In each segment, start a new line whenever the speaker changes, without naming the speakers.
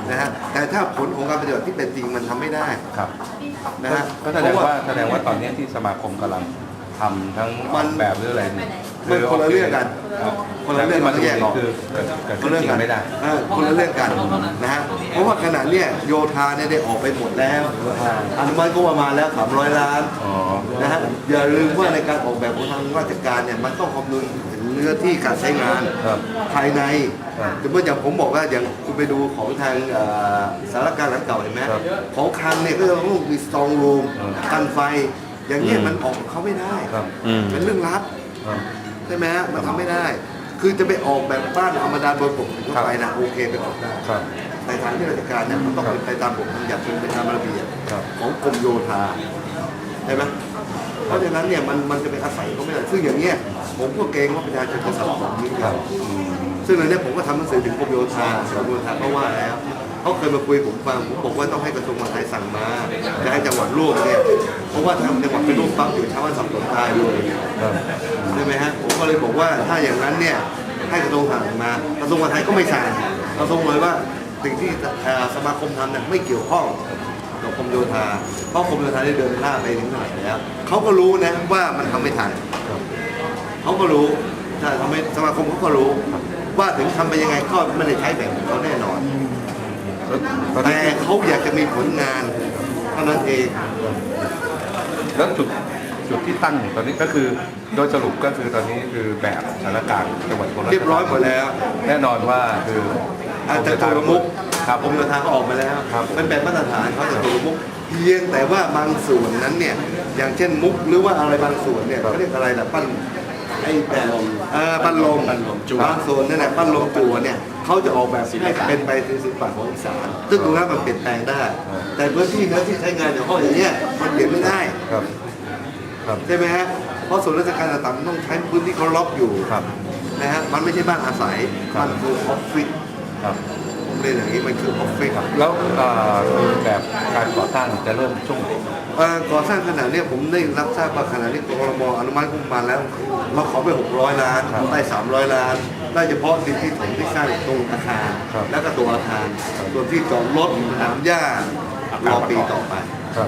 นะฮะแต่ถ้าผลของการปฏิบัติที่เป็นจริงมันทำไม่ได้
ครับ
นะฮะ
ก็แสดงว่าตอนนี้ที่สมาคมกำลังทำทั้งออกแบบหรืออะไรเนี่ย
มันคนละเรื่องกันคนละเรื่อง
มัน
แยกออก
คือเกิด
คน
ขึ้น
ละเรื่อง
จริ
กัน
งไม่ได้
คนละเรื่องกันนะฮะเพราะว่าขณะเนี้ยโยธาเนี่ยได้ออกไปหมดแล้วอนุมัติก็ประมาณแล้ว300 ล้าน
อ๋อ
นะฮะอย่าลืมว่าในการออกแบบของทางราชการเนี่ยมันต้องคำนึงถึงเนื้อที่การใช้งาน
ครับ
ภายใน
ครับ
สมมติอย่างผมบอกว่าอย่างคุณไปดูของทางสารการหลังเก่าเห็นไหม
ครับ
ของคลังเนี่ยก็จะต้องมีสตองรูม
ครับ
กันไฟ อย่างนี้ยมันออกเขาไม่ได้
ครับ
เป็นเรื่องลับ
ครับ
ใช่ไหมฮะมันทำไม่ได้ คือจะไปออกแบบบ้านธรรมดาโดยปกติทั่วไปนะโอเคไปออกได้
ครับ
ในทางที่ราชการเนี่ยมันต้องเป็นไปตามบทบัญญัติเป็นตามระเบียบ
ครับ
ของกรมโยธาใช่ไหมเพราะฉะนั้นเนี่ยมันจะไปอาศัยเขาไม่ได้ซึ่งอย่างเงี้ยผมก็เกรงว่าประชาชนจะสับสนนี้
ครับ
ซึ่งในนี้ผมก็ทำหนังสือถึงกรมโยธากรมโยธาก็ว่าแล้วเขาเคยมาคุยผมฟังผมบอกว่าต้องให้กระทรวงมหาดไทยสั่งมาจะให้จังหวัดร่วมเนี่ยเพราะว่าถ้าจังหวัดไปร่วมปั๊บอยู่ชาวบ้านสับสนตายเลย
ครับ
ใช่ไหมฮะผมก็เลยบอกว่าถ้าอย่างนั้นเนี่ยให้กระทรวงสั่งมากระทรวงมหาดไทยก็ไม่สั่งกระทรวงเลยว่าสิ่งที่สมาคมทำเนี่ยไม่เกี่ยวข้องกับกรมโยธาเพราะกรมโยธาได้เดินหน้าไปถึงไหนแล้วเขาก็รู้นะว่ามันทำไม่ทันเขาก็รู้ถ้าทำไมสมาคมเขาก็รู้ว่าถึงทำไปยังไงก็ไม่ได้ใช้แบบของเขาแน่นอน แต่เขาอยากจะมีผลงานเท่านั้นเอง
แล้วจุดที่ตั้งตอนนี้ก็คือโดยสรุปก็คือตอนนี้คือแบบสถานการณ์จังหวัดโคราช
เรียบร้อยหมดแล้ว
แน่นอนว่าคือ
อาจจะตุลมุก
ครับ
กรมโยธาก็ออกมาแล้ว
ครับ
เป็นแบบมาตรฐานเขาจะตุลมุกเพียงแต่ว่าบางส่วนนั้นเนี่ยอย่างเช่นมุกหรือว่าอะไรบางส่วนเนี่ยเขาเรียกอะไรนะปั้นไอ้แบบปั้นลมบางส่วนนั่นแหละปั้นลมจั่วเนี่ยเขาจะออกแบบให้เป็นไปในศิลปะของอีสานซึ่งตรงนั้นมันเปลี่ยนแปลงได้ แต่พื้นที่เนื้อที่ใช้งานอย่างข้ออย่างเนี้ยมันเปลี่ยนไม่ได้
ครับครับ
ใช่ไหมฮะเพราะส่วนราชการต่างๆมันต้องใช้พื้นที่เขาล็อกอยู่
ครับ
นะฮะมันไม่ใช่บ้านอาศัย
ครับ
มันคือออฟฟิศ
ครับ
ผมเรียนอย่างนี้มันคือออฟฟิศ
แล้วแบบการก่อสร้างจะเริ่มช่วงไหน
ก่อสร้างขนาดเนี้ยผมได้รับทราบว่าขณะนี้กรมอนุมัติงบประมาณแล้วเราขอไป600 ล้านได้300 ล้าน ได้เฉพาะดินที่ถมที่สร้างตรงอาคาร แล้วก็ตัวอาคารส่วนที่จอดรถสนามหญ้ารอปีต่อไป
ครับ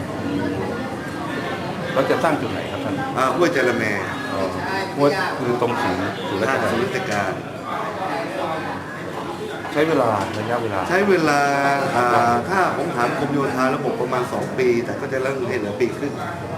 เราจะสร้างจุดไหนครับท่าน
ห้วยเจรแม
ว่าคือตรงศูนย์ราช
ทาง
การ
ศูนย์ราชการ
ใช้เวลาระยะเวลา
ใช้เวลาถ้าผมถามกรมโยธาระบบประมาณ 2 ปี แต่ก็จะเริ่มให้เหลือปีครึ่ง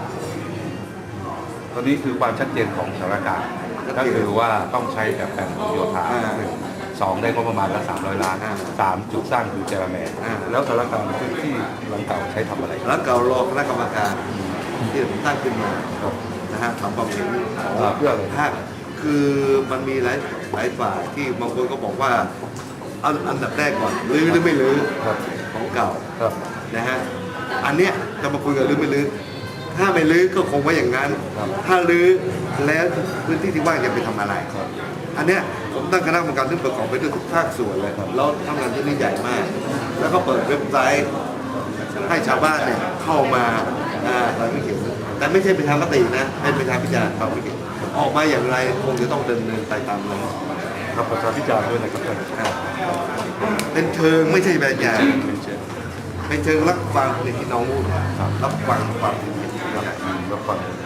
ตอนนี้คือความชัดเจนของสถานการณ์ก็คือว่าต้องใช้แบบแผนโยธาหนึ่งสองได้งบประมาณละ300 ล้านสามจุดสร้างคือเจรแมแล้วสถานการณ์พื้นที่หลังเก่าใช้ทำอะไร
แล้วเก่ารอคณะกรรมการที่ผมตั้งขึ้นมานะฮะทำความเห็นของ
เพื่ออะไร
ภาคคือมันมีหลายฝ่ายที่บางคนก็บอกว่าอันดับแรกก่อนรื้อหรือไม่รื้อ
ครับ
ของเก่า
ครับ
นะฮะอันเนี้ยจะมาคุยกันรื้อไม่รื้อถ้าไม่รื้อก็คงไว้อย่างนั้น ถ้ารื้อแล้วพื้นที่ที่ว่างจะไปทำอะไร อันเนี้ยผมตั้งคณะกรรมการซึ่งประกอบไปด้วยทุกภาคส่วนเลยแล้วทำงานที่นี่ใหญ่มาก แล้วก็เปิดเว็บไซต์ให้ชาวบ้านเนี่ยเข้ามาความคิดเห็นแต่ไม่ใช่เป็นทางมตินะเป็นประชาพิจารณ์ความคิดเห็นออกมาอย่างไรคงจะต้องดำเนินไปตามนั้น
ครับประชาพิจารณ์ด้วยนะครับท่าน
เป็นเชิงไม่ใช่แบบอย่าง
เป็นเชิญ
เป็นเชิงรับฟังในที่น้องพูดรับฟังความคิดเห็น
รับฟัง